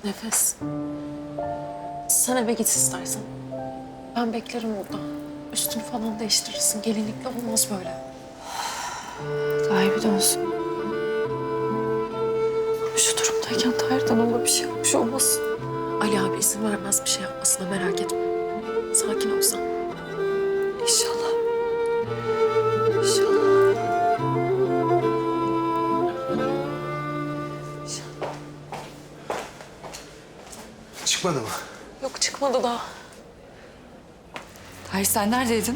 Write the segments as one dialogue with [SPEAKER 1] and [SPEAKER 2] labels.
[SPEAKER 1] Nefes. Sen eve git istersen. Ben beklerim orada. Üstünü falan değiştirirsin. Gelinlikle olmaz böyle.
[SPEAKER 2] Tahir bir dönsün.
[SPEAKER 1] Şu durumdayken Tahir'den ona bir şey yapmış olmasın. Ali abi izin vermez bir şey yapmasına, merak etme. Sakin ol sen.
[SPEAKER 2] İnşallah. İnşallah.
[SPEAKER 3] Çıkmadı mı?
[SPEAKER 1] Yok, çıkmadı daha.
[SPEAKER 2] Tahir sen neredeydin?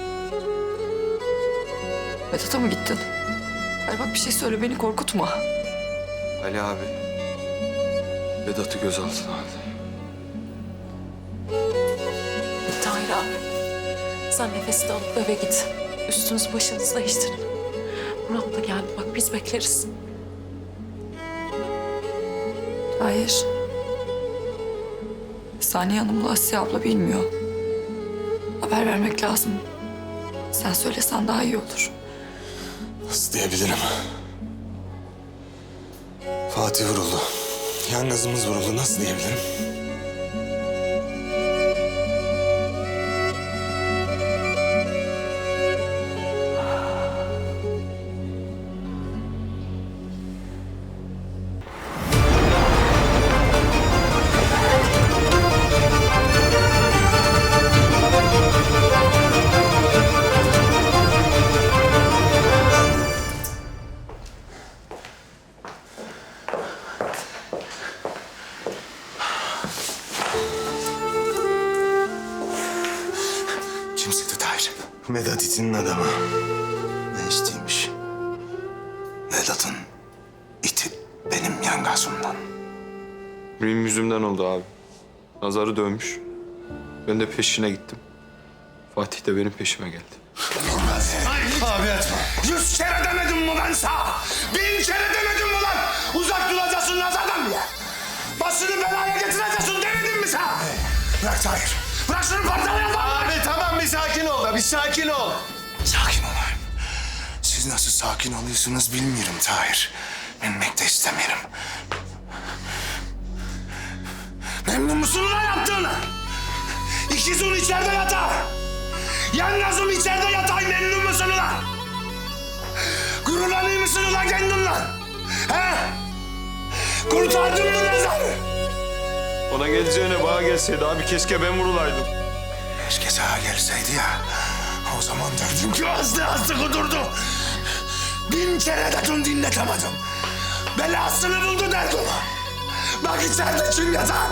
[SPEAKER 2] Vedat'a mı gittin? Hayır bak bir şey söyle, beni korkutma.
[SPEAKER 3] Ali abi Vedat'ı gözaltına aldı.
[SPEAKER 1] Tahir abi. Sen nefesi de alıp eve git. Üstünüzü başınızı değiştirin. Murat da geldi. Bak biz bekleriz.
[SPEAKER 2] Hayır. Saniye Hanım'la Asiye abla bilmiyor. Haber vermek lazım. Sen söylesen daha iyi olur.
[SPEAKER 3] Nasıl diyebilirim? Fatih vuruldu. Yalnızımız vuruldu. Nasıl diyebilirim? Kim sıktı Tahir? Vedat itinin adamı. Ne isteymiş? Vedat'ın iti benim yangazımdan.
[SPEAKER 4] Benim yüzümden oldu abi. Nazarı dönmüş. Ben de peşine gittim. Fatih de benim peşime geldi.
[SPEAKER 3] Abi etme.
[SPEAKER 5] 100 kere demedim mi ben sana? 1000 kere demedim mi lan? Uzak duracaksın nazardan diye. Başını belaya getireceksin demedim mi sana?
[SPEAKER 3] Bırak Tahir.
[SPEAKER 5] Bırak şunu parçalayalım.
[SPEAKER 3] Abi tamam bir sakin ol da bir sakin ol. Sakin olayım. Siz nasıl sakin oluyorsunuz bilmiyorum Tahir. Bilmek de istemiyorum.
[SPEAKER 5] Memnun musun lan yaptığını? İkizin içeride yatar. Yalnızım içeride yatay memnun musun ulan? Gururlanıyor musun ulan kendinle? He? Kurtardın mı nazarı?
[SPEAKER 4] Ona geleceğine bana gelseydi abi keşke ben vurulaydım.
[SPEAKER 3] Keşke sağa gelseydi ya. O zaman derdim ki
[SPEAKER 5] Azdı azdı kudurdu. 1000 kere de tüm dinletemedim. Belasını buldu derdim. Bak içeride kim yatar?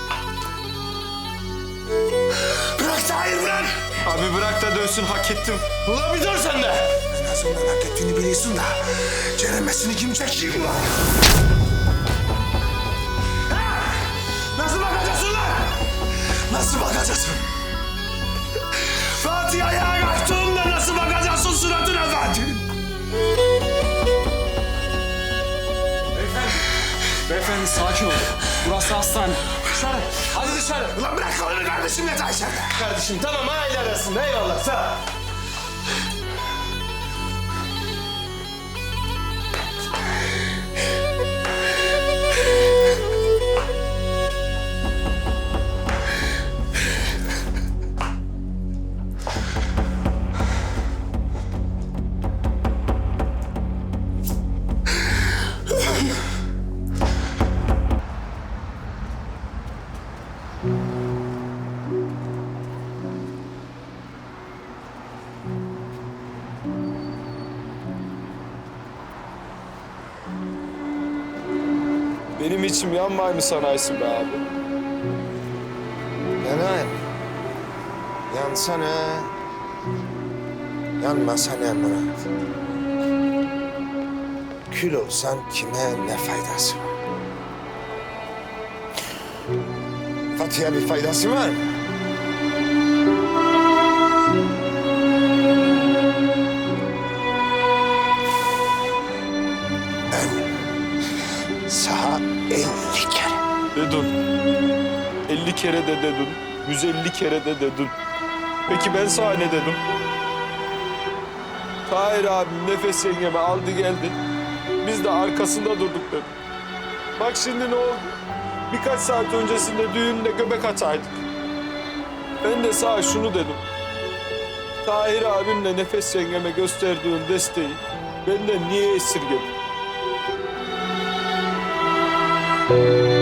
[SPEAKER 5] Bırak Tahir bırak.
[SPEAKER 4] Abi bırak da dönsün, hak ettim.
[SPEAKER 5] Ulan bir dur sen de.
[SPEAKER 3] en azından hak ettiğini biliyorsun da ceremesini kim çekiyor lan?
[SPEAKER 5] Nasıl bakacaksın lan?
[SPEAKER 3] Nasıl bakacaksın?
[SPEAKER 5] Fatih ayağa kalktığında nasıl bakacaksın suratına Fatih?
[SPEAKER 6] Beyefendi sakin olun. Burası hastane. Dışarı. Hadi dışarı.
[SPEAKER 5] Ulan bırak kolunu kardeşim yatağı içeride.
[SPEAKER 6] Kardeşim tamam aile arasında eyvallah sağ ol.
[SPEAKER 4] Benim içim yanmay mı sanaysın be abi?
[SPEAKER 3] Yanayım. Yansana. Yanmasana Murat. Kül olsan kime ne faydası var? Fatih'e bir faydası var mı? Ben sana 50 kere
[SPEAKER 4] Dedin. 50 kere de dedin. 150 kere de dedin. Peki ben sana ne dedim? Tahir abim Nefes yengeme aldı geldi. Biz de arkasında durduk dedim. Bak şimdi ne oldu? birkaç saat öncesinde düğünde göbek ataydık. Ben de sana şunu dedim. Tahir abimle Nefes yengeme gösterdiğin desteği benden niye esirgedin?